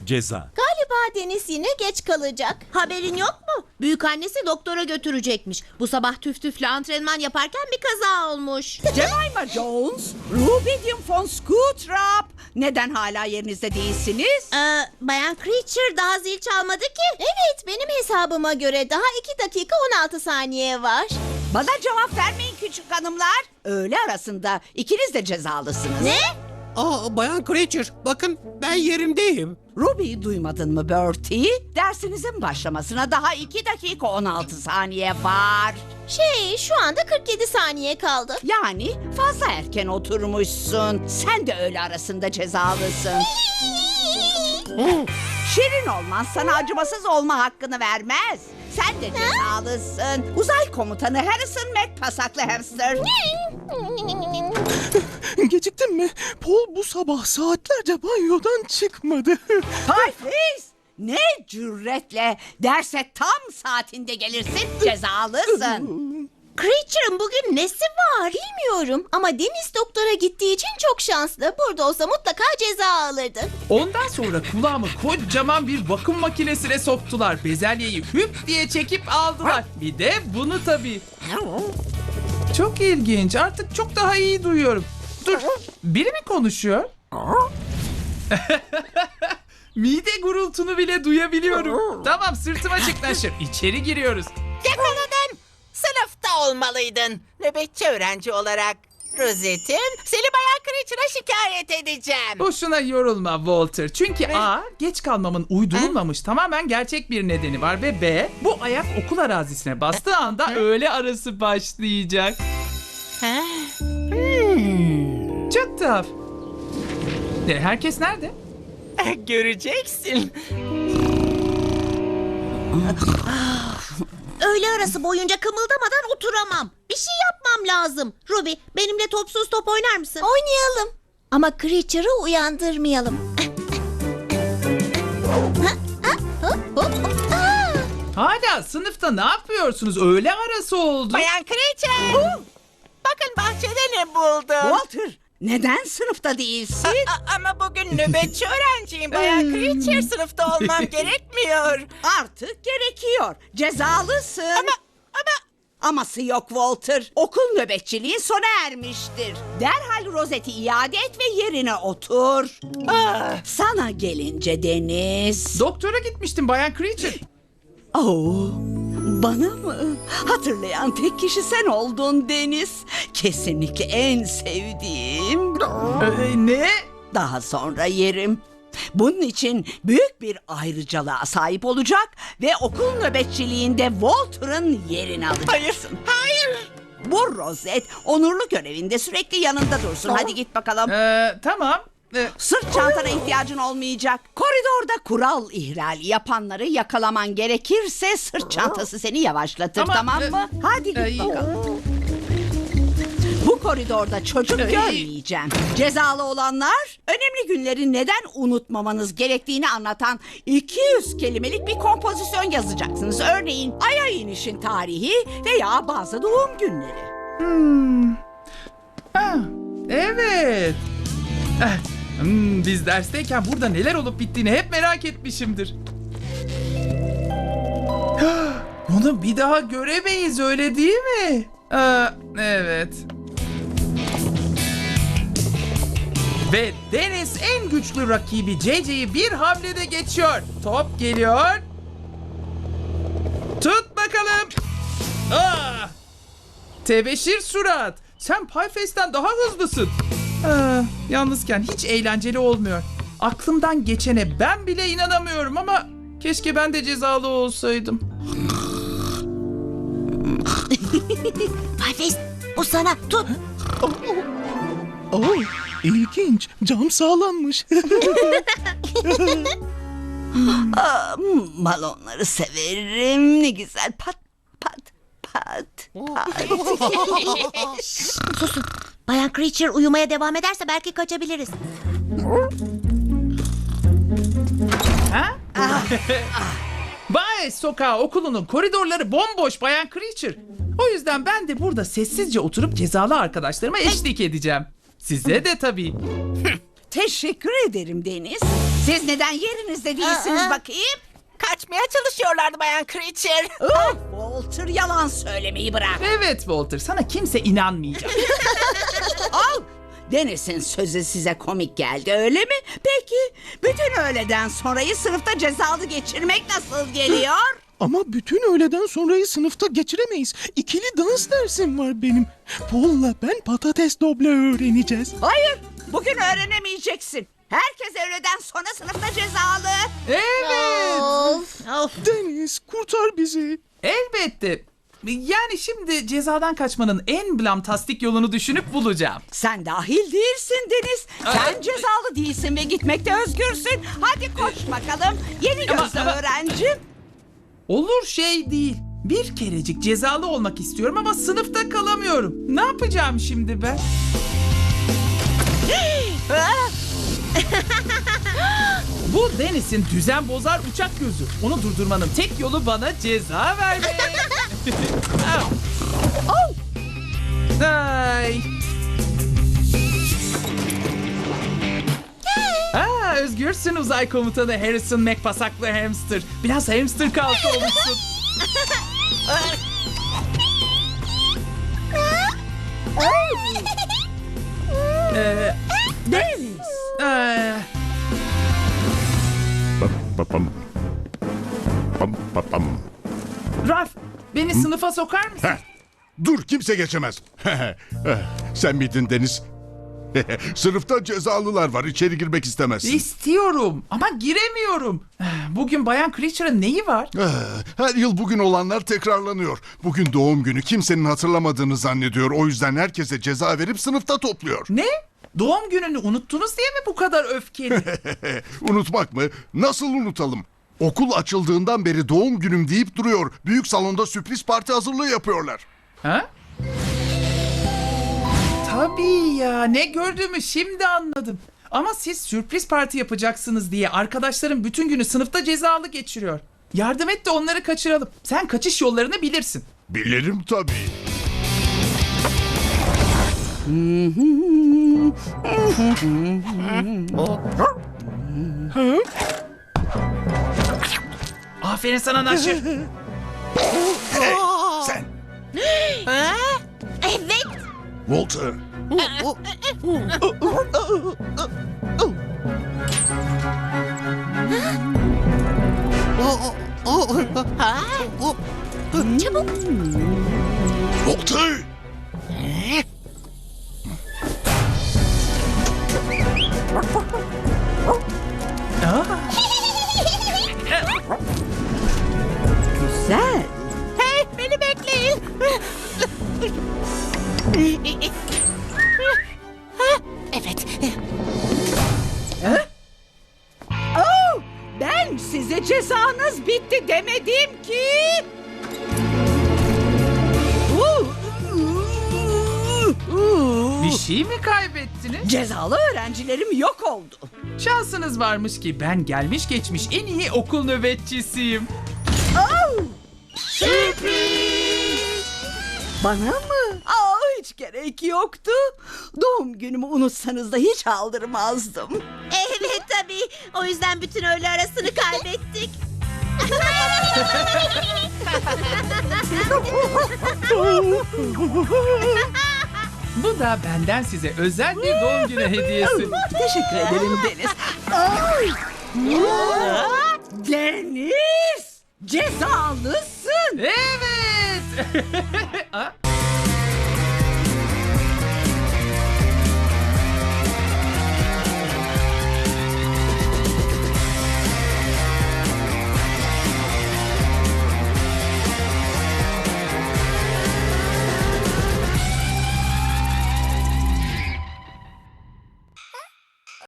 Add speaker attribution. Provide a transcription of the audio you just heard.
Speaker 1: ceza.
Speaker 2: Galiba Deniz yine geç kalacak.
Speaker 3: Haberin yok mu? Büyükannesi doktora götürecekmiş. Bu sabah tüf tüfle antrenman yaparken bir kaza olmuş.
Speaker 4: Jemima Jones, Rubidium von Scootrap. Neden hala yerinizde değilsiniz?
Speaker 3: Bayan Creature daha zil çalmadı ki.
Speaker 2: Evet, benim hesabıma göre daha 2 dakika 16 saniye var.
Speaker 4: Bana cevap vermeyin küçük hanımlar. Öğle arasında ikiniz de cezalısınız.
Speaker 3: Ne?
Speaker 5: Bayan Creature, bakın ben yerimdeyim.
Speaker 4: Ruby'yi duymadın mı Bertie? Dersinizin başlamasına daha 2 dakika 16 saniye var.
Speaker 2: Şu anda 47 saniye kaldı.
Speaker 4: Yani fazla erken oturmuşsun. Sen de öğle arasında cezalısın. Şirin olman sana acımasız olma hakkını vermez. Sen de cezalısın. Uzay komutanı Harrison McPasaklı hamster.
Speaker 5: Geciktin mi? Paul bu sabah saatlerce banyodan çıkmadı.
Speaker 4: Pieface! Ne cüretle derse tam saatinde gelirsin, cezalısın.
Speaker 2: Creature'ın bugün nesi var? Bilmiyorum ama Deniz doktora gittiği için çok şanslı. Burada olsa mutlaka ceza alırdı.
Speaker 6: Ondan sonra kulağımı kocaman bir vakum makinesine soktular. Bezelyeyi hüp diye çekip aldılar. Bir de bunu tabii. Çok ilginç. Artık çok daha iyi duyuyorum. Dur. Biri mi konuşuyor? Mide gurultunu bile duyabiliyorum. Tamam, sırtıma çık Naşır. İçeri giriyoruz.
Speaker 7: Yakaladım. Sınıfta olmalıydın. Nöbetçi öğrenci olarak. Rosette'im, seni Bayan Creature'a şikayet edeceğim.
Speaker 6: Boşuna yorulma Walter. Çünkü A, geç kalmamın uydurulmamış tamamen gerçek bir nedeni var ve B, bu ayak okul arazisine bastığı anda öğle arası başlayacak. Çok tuhaf. Herkes nerede?
Speaker 7: Göreceksin.
Speaker 3: Öğle arası boyunca kımıldamadan oturamam. Bir şey yapmam lazım. Ruby, benimle topsuz top oynar mısın?
Speaker 2: Oynayalım. Ama Creature'ı uyandırmayalım.
Speaker 6: Hala sınıfta ne yapıyorsunuz? Öğle arası oldu.
Speaker 7: Bayan Creature. Bakın bahçede ne buldum.
Speaker 4: Walter, neden sınıfta değilsin?
Speaker 7: Ama bugün nöbetçi öğrenciyim Bayan Creature. Sınıfta olmam gerekmiyor.
Speaker 4: Artık gerekiyor. Cezalısın.
Speaker 7: Ama
Speaker 4: Aması yok Walter. Okul nöbetçiliğin sona ermiştir. Derhal rozeti iade et ve yerine otur. Sana gelince Deniz.
Speaker 6: Doktora gitmiştim Bayan Creature.
Speaker 4: Bana mı? Hatırlayan tek kişi sen oldun Deniz. Kesinlikle en sevdiğim.
Speaker 6: Ne?
Speaker 4: Daha sonra yerim. Bunun için büyük bir ayrıcalığa sahip olacak ve okul nöbetçiliğinde Walter'ın yerini alacaksın.
Speaker 7: hayır.
Speaker 4: Bu rozet onurlu görevinde sürekli yanında dursun. Hadi git bakalım.
Speaker 6: Tamam.
Speaker 4: Sırt çantana ihtiyacın olmayacak. Koridorda kural ihlali yapanları yakalaman gerekirse sırt çantası seni yavaşlatır,
Speaker 6: Ama,
Speaker 4: tamam mı? Hadi git bakalım. Bu koridorda çocuk görmeyeceğim. Cezalı olanlar önemli günleri neden unutmamanız gerektiğini anlatan 200 kelimelik bir kompozisyon yazacaksınız. Örneğin Ay'a inişin tarihi veya bazı doğum günleri.
Speaker 6: Evet. Biz dersteyken burada neler olup bittiğini hep merak etmişimdir. Onu bir daha göremeyiz, öyle değil mi? Evet. Ve Deniz en güçlü rakibi JJ'yi bir hamlede geçiyor. Top geliyor. Tut bakalım. Tebeşir surat. Sen Pieface'den daha hızlısın. Yalnızken hiç eğlenceli olmuyor. Aklımdan geçene ben bile inanamıyorum ama keşke ben de cezalı olsaydım.
Speaker 3: Pieface, bu sana. Tut.
Speaker 5: İlginç. Cam sağlanmış.
Speaker 4: Balonları severim. Ne güzel pat pat pat pat.
Speaker 3: Susun. Bayan Creature uyumaya devam ederse belki kaçabiliriz.
Speaker 6: Baez Sokağı okulunun koridorları bomboş Bayan Creature. O yüzden ben de burada sessizce oturup cezalı arkadaşlarıma eşlik edeceğim. Size de tabii.
Speaker 4: Teşekkür ederim Deniz. Siz neden yerinizde değilsiniz bakayım?
Speaker 7: Kaçmaya çalışıyorlardı Bayan Creature.
Speaker 4: Ah, Walter yalan söylemeyi bırak.
Speaker 6: Evet Walter, sana kimse inanmayacak.
Speaker 4: Al. Deniz'in sözü size komik geldi öyle mi? Peki bütün öğleden sonrayı sınıfta cezalı geçirmek nasıl geliyor?
Speaker 5: Ama bütün öğleden sonrayı sınıfta geçiremeyiz. İkili dans dersim var benim. Paul'la ben patates doble öğreneceğiz.
Speaker 4: Hayır, bugün öğrenemeyeceksin. Herkes öğleden sonra sınıfta cezalı.
Speaker 6: Evet.
Speaker 3: Of.
Speaker 5: Deniz kurtar bizi.
Speaker 6: Elbette. Yani şimdi cezadan kaçmanın en blamtastik yolunu düşünüp bulacağım.
Speaker 4: Sen dahil değilsin Deniz. Sen cezalı değilsin ve gitmekte özgürsün. Hadi koş bakalım. Yeni gözlü
Speaker 6: ama-
Speaker 4: öğrencim.
Speaker 6: Olur şey değil. Bir kerecik cezalı olmak istiyorum ama sınıfta kalamıyorum. Ne yapacağım şimdi ben? Bu Deniz'in düzen bozar uçak gözü. Onu durdurmanın tek yolu bana ceza vermek. Ay. Özgürsün uzay komutanı Harrison McPasaklı hamster. Biraz hamster kalktı olmuşsun.
Speaker 4: Deniz.
Speaker 6: Ee,
Speaker 1: Pam pam pam.
Speaker 6: Ralph, beni sınıfa sokar mısın?
Speaker 1: Heh, dur kimse geçemez. Sen miydin Deniz? Sınıfta cezalılar var. İçeri girmek istemezsin.
Speaker 6: İstiyorum ama giremiyorum. Bugün Bayan Creature'ın neyi var?
Speaker 1: Her yıl bugün olanlar tekrarlanıyor. Bugün doğum günü, kimsenin hatırlamadığını zannediyor. O yüzden herkese ceza verip sınıfta topluyor.
Speaker 6: Ne? Doğum gününü unuttunuz diye mi bu kadar öfkeli?
Speaker 1: Unutmak mı? Nasıl unutalım? Okul açıldığından beri doğum günüm deyip duruyor. Büyük salonda sürpriz parti hazırlığı yapıyorlar.
Speaker 6: Ha? Tabii ya, ne gördüğümü şimdi anladım. Ama siz sürpriz parti yapacaksınız diye arkadaşlarım bütün günü sınıfta cezalı geçiriyor. Yardım et de onları kaçıralım. Sen kaçış yollarını bilirsin.
Speaker 1: Bilirim tabii.
Speaker 6: Aferin sana Naşır.
Speaker 1: Hey, sen
Speaker 2: Evet.
Speaker 1: Walter.
Speaker 2: Çabuk.
Speaker 1: Walter.
Speaker 4: Güzel.
Speaker 7: Hey, beni bekleyin. Evet.
Speaker 4: Oh, ben size cezanız bitti demedim ki.
Speaker 6: Bir şey mi kaybettiniz?
Speaker 4: Cezalı öğrencilerim yok oldu.
Speaker 6: Şansınız varmış ki ben gelmiş geçmiş en iyi okul nöbetçisiyim.
Speaker 4: Bana mı? Hiç gerek yoktu. Doğum günümü unutsanız da hiç aldırmazdım.
Speaker 3: Evet tabii. O yüzden bütün öğle arasını kaybettik.
Speaker 6: Bu da benden size özel bir doğum günü hediyesi.
Speaker 4: Teşekkür ederim Deniz. Deniz! Cezalısın.
Speaker 6: Evet.